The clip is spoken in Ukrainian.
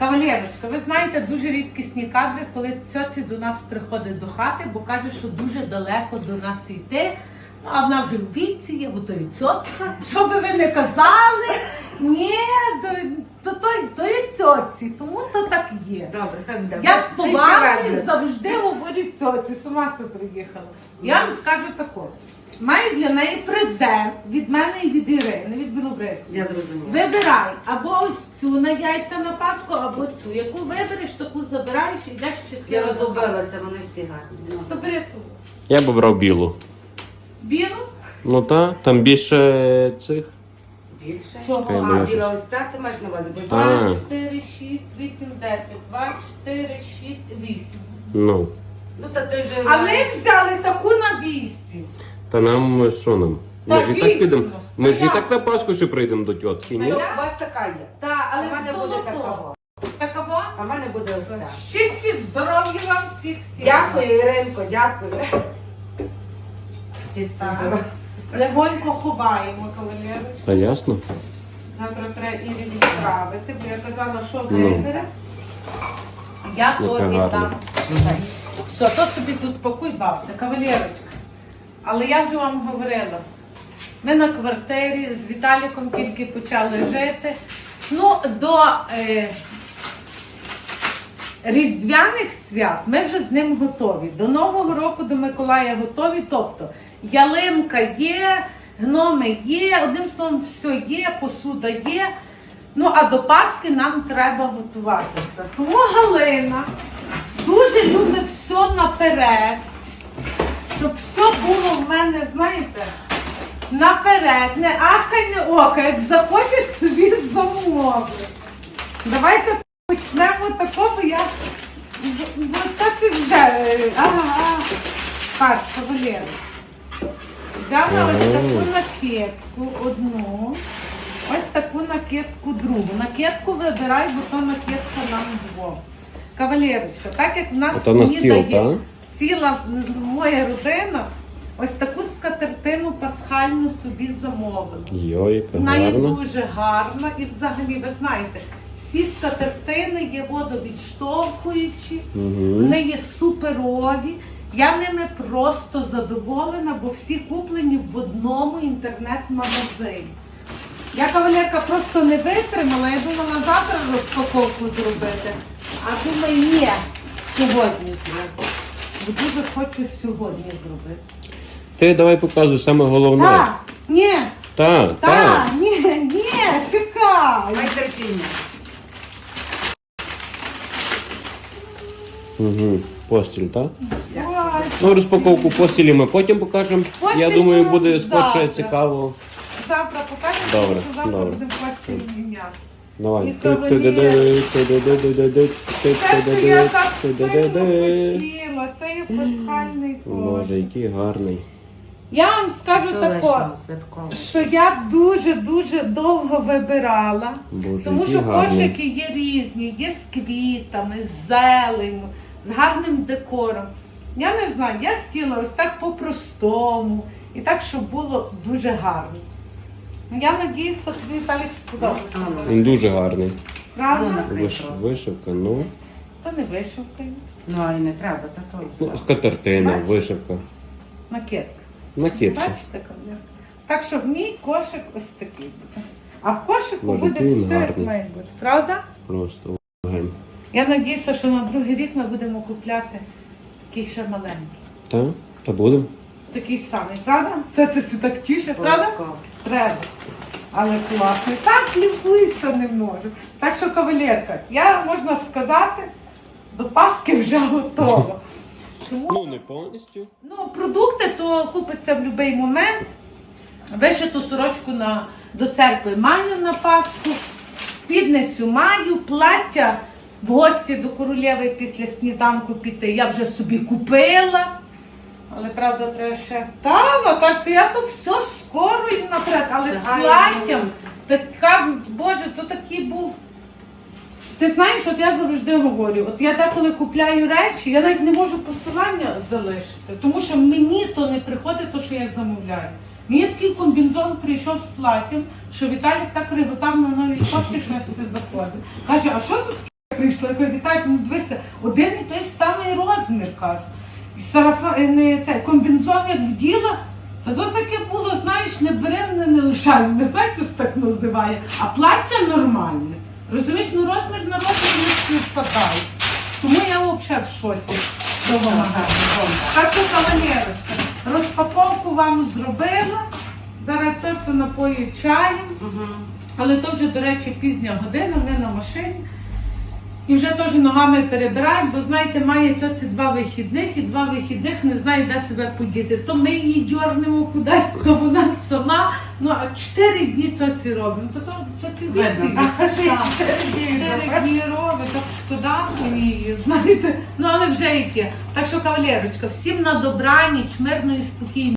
Кавалерочка, ви знаєте, дуже рідкісні кадри, коли цьоці до нас приходить до хати, бо каже, що дуже далеко до нас йти. Ну, а вона вже в віці є, бо то і цьотка. Що би ви не казали? Ні, то є цьоці, тому то так є. Добре, хай буде. Я з повагою завжди говорю цьоці, сама все приїхала. Я вам скажу тако. Маю для неї презент від мене і від Ірини, від Білобрисі. Я зрозуміла. Вибирай або ось цю на яйця на Пасху, або цю. Яку вибереш, таку забираєш і йдеш Я щасливо. розгубилася, вони всі гарні. То бери ту. Я б обрав білу. Білу? Ну так, там більше цих. Більше? Чого? А, біла ось ця, ти маєш на увазі? Бо А. 2, 4, 6, 8, 10. 2, 4, 6, 8. Ну. Ну, та ти вже... А ми взяли таку на 200. Та нам що нам? Ми Так, ж і так дійсно. підемо. Ми ж і Та так на Пасху ще прийдемо до тітки, Ну, ні? у вас така є. Так, А але в мене буде золото. такого. Такого? А в мене буде ось ця. Щасті, здоров'я вам всіх. Дякую, Іринко, дякую. Чисто Так. здорово. Легонько ховаємо, кавалерочку. Та ясно. Завтра треба Ірі відправити, бо я казала, що Ну. вибере. Я то Яка віддам. гарна. Все, то собі тут пакуй, бався, кавалерочка. Але я вже вам говорила, ми на квартирі з Віталіком тільки почали жити. Ну, до Різдвяних свят ми вже з ним готові. До Нового року, до Миколая готові. Тобто ялинка є, гноми є, одним словом, все є, посуда є. Ну, а до Пасхи нам треба готуватися. Тому Галина дуже любить все наперед, щоб все було в мене, знаєте, наперед. Не ахай, не окай, як захочеш собі замови. Давайте почнемо такого, я... Ну, так і вже... Ага. Так, кавалери. Взяла ось таку накидку одну, ось таку накидку другу. Накидку вибирай, бо то накидка нам двох. Кавалерочка, так як в нас Ото на стіл, снідає так? ціла моя родина, ось таку скатертину пасхальну собі замовила. Йой, яка Вона є гарна. дуже гарна і взагалі, ви знаєте, всі скатертини є водовідштовхуючі, вони є суперові. Я ними просто задоволена, бо всі куплені в одному інтернет-магазині. Я, кавалерка, просто не витримала, я думала завтра розпаковку зробити. А думаю, ні, сьогодні треба. Бо дуже хочу сьогодні зробити. Ти давай показуй саме головне. Так, ні, Так, так, ні, чекай. Май терпіння. Угу. Постіль, так? Ой, Ну, розпаковку постілі ми потім покажемо. Постіль Я думаю, ми буде завтра. спершу цікаво. завтра покажемо, Добре, що завтра добре. будемо постіль міняти. Давай. І кавалер. Те, що я так сильно хотіла, це є пасхальний Боже, кошик. який гарний. Я вам скажу тако, Чоловічного, святкового. що я дуже-дуже довго вибирала, Боже, тому який що гарний. кошики є різні, є з квітами, з зеленню, з гарним декором. Я не знаю, я хотіла ось так по-простому і так, щоб було дуже гарно. Ну, я надіюсь, що тобі Віталік сподобається. Він дуже гарний. Правда? Ну, Вишивка, ну. То не вишивка, Ну, а й не треба, та то. Ну, скатертина, Бачиш? вишивка. накидка. Накидка. Бачите, кавалерка? Так що в мій кошик ось такий буде. А в кошику Боже, буде який він все, як гарний. має бути. Правда? Просто вогонь. Я надіюся, що на другий рік ми будемо купляти такий ще маленький. Так? Та будемо. Такий самий, правда? Це все так тіше, правда? Обов'язково. Треба. Але класний. Так лікуйся не можу. Так що, кавалерка, я, можна сказати, до Пасхи вже готова. Тому Ну, не повністю. ну, продукти то купиться в будь-який момент. Вишиту сорочку до церкви маю на Пасху, спідницю маю, плаття в гості до королеви після сніданку піти. Я вже собі купила. Але правда треба ще. Та, Натальця, я то все скоро і наперед, але з Ага, платтям. Така, Боже, то такий був. Ти знаєш, от я завжди говорю, от я деколи купляю речі, я навіть не можу посилання залишити, тому що мені то не приходить, то, що я замовляю. Мені такий комбінзон прийшов з платтям, що Віталік так реготав на нові кошти, що я все заходить. Каже, а що тут таке прийшла, я кажу, Віталік, ну дивися, один і той самий розмір, кажу. І сарафан, не цей, комбінзон як вділа, та то таке було, знаєш, не беремо, не лишаємо, не знаєте, це так називає, а плаття нормальне. Розумієш, ну розмір на розмір не співпадає. Тому я взагалі в шоці того магазину. Так що, кавалерочка, розпаковку вам зробила. Зараз це напою чаєм. Але то вже, до речі, пізня година, ми на машині. І вже теж ногами перебирають, бо, знаєте, має ці 2 вихідних, і 2 вихідних не знає, де себе подіти. То ми її дьорнемо кудись, то вона сама. Ну, а 4 дні ці робимо. То ці Видно, так, що я 4 дні 4 дні робить, так шкода її, знаєте. Ну, але вже яке. Так що, кавалерочка, всім на добраніч, мирної, спокійної.